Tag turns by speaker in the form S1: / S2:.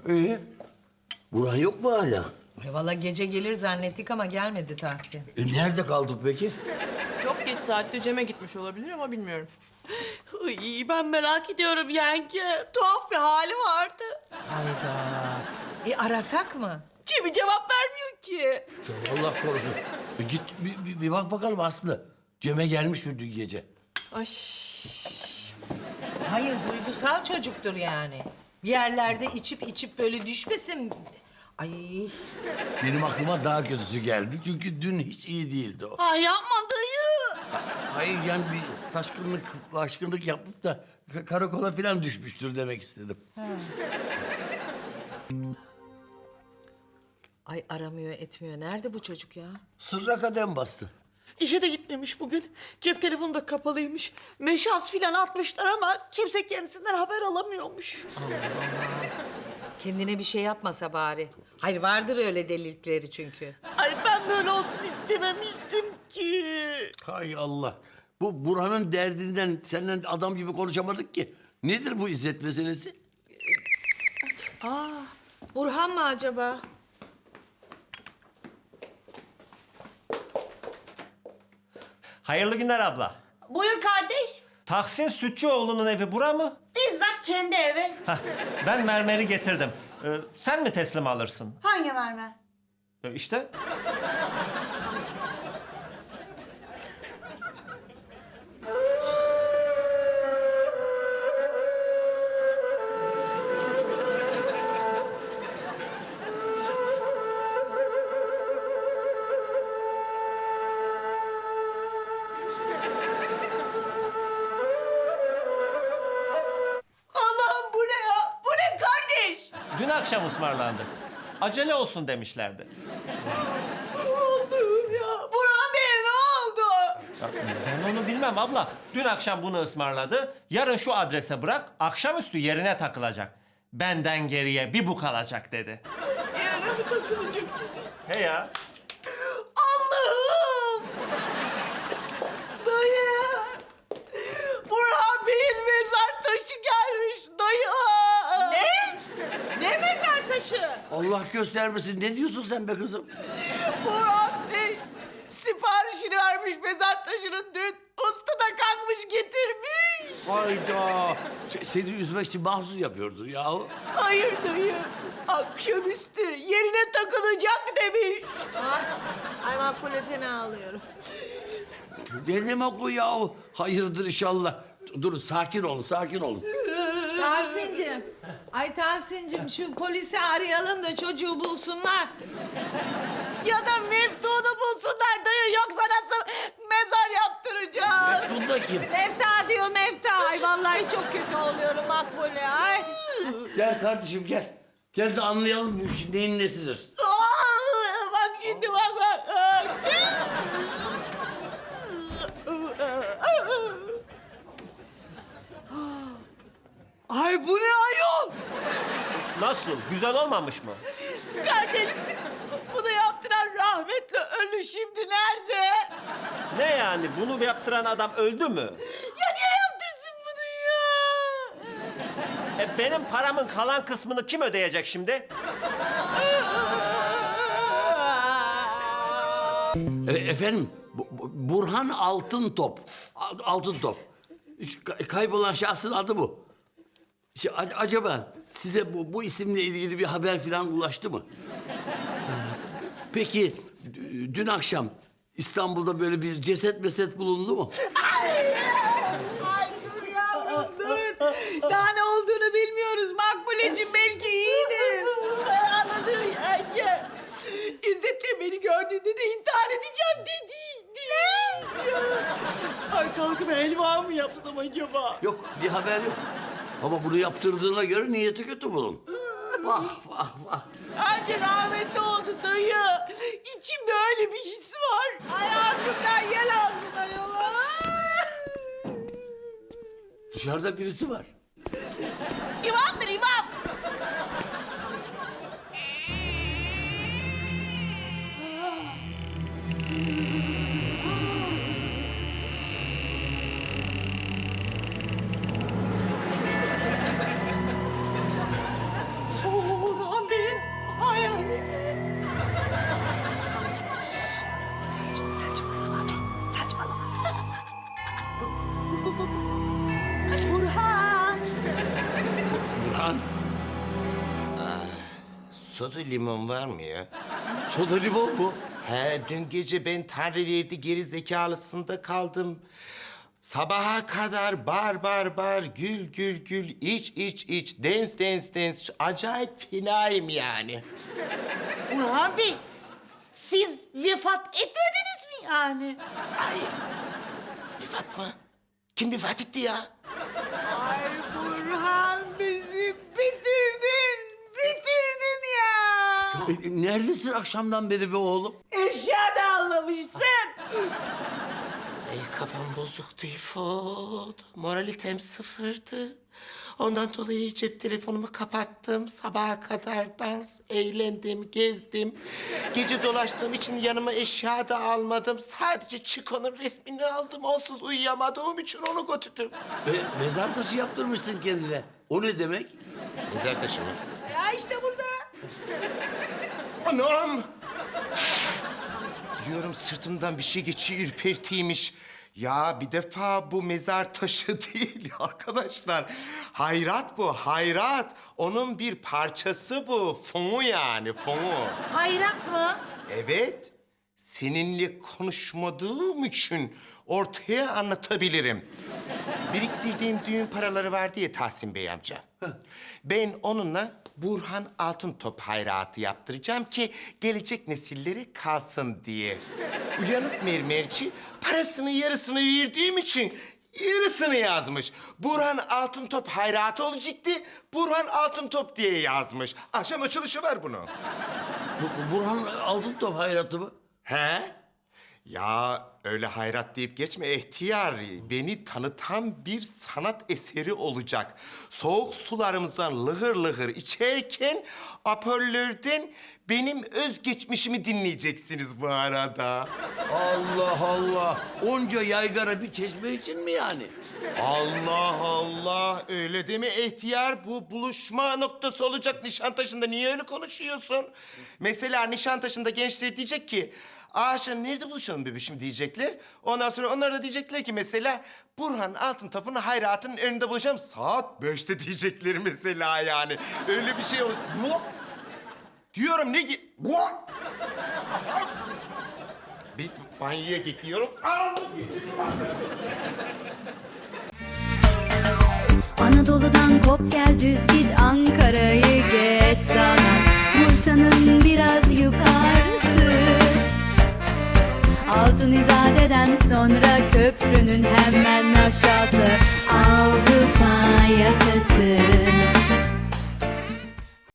S1: İyi. Burhan yok mu hala?
S2: Valla gece gelir zannettik ama gelmedi Tahsin.
S1: Nerede kaldık peki?
S3: Çok geç saatte Cem'e gitmiş olabilir ama bilmiyorum.
S4: Ay, ben merak ediyorum yenge. Tuhaf bir hali vardı.
S2: Hayda. Arasak mı?
S4: Cem'i cevap vermiyor ki.
S1: Allah korusun. Git bir bak bakalım Aslı. Cem'e gelmiş mi dün gece?
S3: Ay.
S2: Hayır, duygusal çocuktur yani. Bir yerlerde içip böyle düşmesin. Ay,
S1: Benim aklıma daha kötüsü geldi. Çünkü dün hiç iyi değildi o.
S4: Ay yapma dayı.
S1: Hayır yani bir taşkınlık yapıp da karakola falan düşmüştür demek istedim.
S2: ay aramıyor etmiyor. Nerede bu çocuk ya?
S1: Sırra kadem bastı.
S4: İşe de gitmemiş bugün. Cep telefonu da kapalıymış. Meşaz filan atmışlar ama kimse kendisinden haber alamıyormuş.
S2: Kendine bir şey yapmasa bari. Hayır, vardır öyle delilikleri çünkü.
S4: Ay ben böyle olsun istememiştim ki.
S1: Hay Allah. Bu Burhan'ın derdinden seninle adam gibi konuşamadık ki. Nedir bu İzzet meselesi?
S2: Burhan mı acaba?
S5: Hayırlı günler abla.
S4: Buyur kardeş.
S5: Tahsin Sütçüoğlu'nun evi bura mı?
S4: Bizzat kendi evi.
S5: Hah, ben mermeri getirdim. Sen mi teslim alırsın?
S4: Hangi mermer?
S5: İşte.
S4: Allah'ım bu ne ya? Bu ne kardeş?
S5: Dün akşam ısmarlandık. Acele olsun demişlerdi.
S4: Allah'ım ya. Burhan Bey'e ne oldu?
S5: Ya, ben onu bilmem abla. Dün akşam bunu ısmarladı. Yarın şu adrese bırak, akşamüstü yerine takılacak. Benden geriye bir bu kalacak dedi.
S4: Yerine mi takılacak dedi.
S5: He ya.
S4: Allah'ım! Dayı! Burhan Bey'in mezar taşı gelmiş dayı!
S2: Ne? Ne mezar taşı?
S1: Allah göstermesin. Ne diyorsun sen be kızım?
S4: Burhan Bey siparişini vermiş mezar taşının dün. Usta da kalkmış getirmiş.
S1: Hayda. Seni üzmek için mahsus yapıyordur yahu.
S4: Hayır dayı. Akşamüstü yerine takılacak demiş.
S2: Ay makbule fena alıyorum.
S1: Ne demek o yahu? Hayırdır inşallah. Durun sakin olun, sakin olun.
S2: Tahsin'cim. Ay Tahsin'cim şu polisi arayalım da çocuğu bulsunlar.
S4: Ya da Meftun'u bulsunlar dayı. Yoksa nasıl mezar yaptıracağız?
S1: Meftun da kim?
S2: Mefta diyor Mefta. Ay vallahi çok kötü oluyorum makbule. Ay.
S1: Gel kardeşim gel. Gel de anlayalım bu işin neyin nesidir.
S4: Bak şimdi bak. Ay bu ne ayol?
S5: Nasıl? Güzel olmamış mı?
S4: Kardeş bunu yaptıran rahmetli ölü şimdi nerede?
S5: Ne yani? Bunu yaptıran adam öldü mü?
S4: Ya niye yaptırsın bunu ya?
S5: Benim paramın kalan kısmını kim ödeyecek şimdi?
S1: Efendim Burhan Altıntop. Altıntop. Kaybolan şahsın adı bu. Acaba size bu isimle ilgili bir haber falan ulaştı mı? Peki dün akşam İstanbul'da böyle bir ceset bulundu mu?
S4: Ay dur yavrum dur. Daha ne olduğunu bilmiyoruz Makbuleciğim belki iyidir. Anladım yenge. İzzet de beni gördüğünde de intihar edeceğim dedi. Ne? Ay kalkıp helva mı yapsam acaba?
S1: Yok bir haber yok. Ama bunu yaptırdığına göre niyeti kötü bunun. Vah vah vah.
S4: Anca rahmetli oldu dayı. İçimde öyle bir his var. Ay ağzından yel ağzından yola.
S1: Dışarıda birisi var.
S4: İmamdır imam.
S6: soda limon var mı ya?
S1: Soda limon mu?
S6: He, dün gece ben Tanrı verdi geri zekalısında kaldım. Sabaha kadar bar, gül, iç, dance. Acayip fenayım yani.
S4: Burhan Bey, siz vefat etmediniz mi yani?
S6: Ay, vefat mı? Kim vefat etti ya?
S4: Ay Burhan bizi bitirdin ya.
S1: Neredesin akşamdan beri be oğlum?
S4: Eşya da almamışsın.
S6: Ay, kafam bozuktu İfot. Moralitem sıfırdı. Ondan dolayı cep telefonumu kapattım. Sabaha kadar dans, eğlendim, gezdim. Gece dolaştığım için yanıma eşya da almadım. Sadece Chico'nun resmini aldım. Onsuz uyuyamadığım için onu götürdüm.
S1: Mezar taşı yaptırmışsın kendine. O ne demek?
S6: Mezar taşı mı?
S4: Ya işte burada.
S6: Anam! Diyorum sırtımdan bir şey geçiyor, ürpertiymiş. Ya bir defa bu mezar taşı değil arkadaşlar. Hayrat bu, hayrat. Onun bir parçası bu. Fonu yani, fonu.
S4: Hayrat mı?
S6: Evet. Seninle konuşmadığım için ortaya anlatabilirim. Biriktirdiğim düğün paraları vardı ya Tahsin Bey amca. Ben onunla Burhan Altıntop hayratı yaptıracağım ki gelecek nesillere kalsın diye. Uyanık mermerci parasının yarısını verdiğim için yarısını yazmış. Burhan Altıntop hayratı olacaktı. Burhan Altıntop diye yazmış. Akşam açılışı var bunun.
S1: Burhan Altıntop hayratı mı?
S6: He? Ya öyle hayrat deyip geçme ihtiyar. Beni tanıtan bir sanat eseri olacak. Soğuk sularımızdan lıhır lıhır içerken hoparlörden benim özgeçmişimi dinleyeceksiniz bu arada.
S1: Allah Allah. Onca yaygara bir çeşme için mi yani?
S6: Allah Allah, öyle deme ihtiyar. Bu buluşma noktası olacak Nişantaşı'nda. Niye öyle konuşuyorsun? Mesela Nişantaşı'nda gençler diyecek ki... Akşam nerede buluşalım bebişim diyecekler. Ondan sonra onlar da diyecekler ki mesela... Burhan Altıntop'un hayratının önünde buluşalım. Saat 5'te diyecekler mesela yani. Öyle bir şey olur. Bu? Diyorum ne ki? Bu? Bir banyoya gidiyorum.
S7: Anadolu'dan kop gel düz git Ankara'yı geç sana Bursa'nın biraz yukarısı Altın İzade'den sonra köprünün hemen aşağısı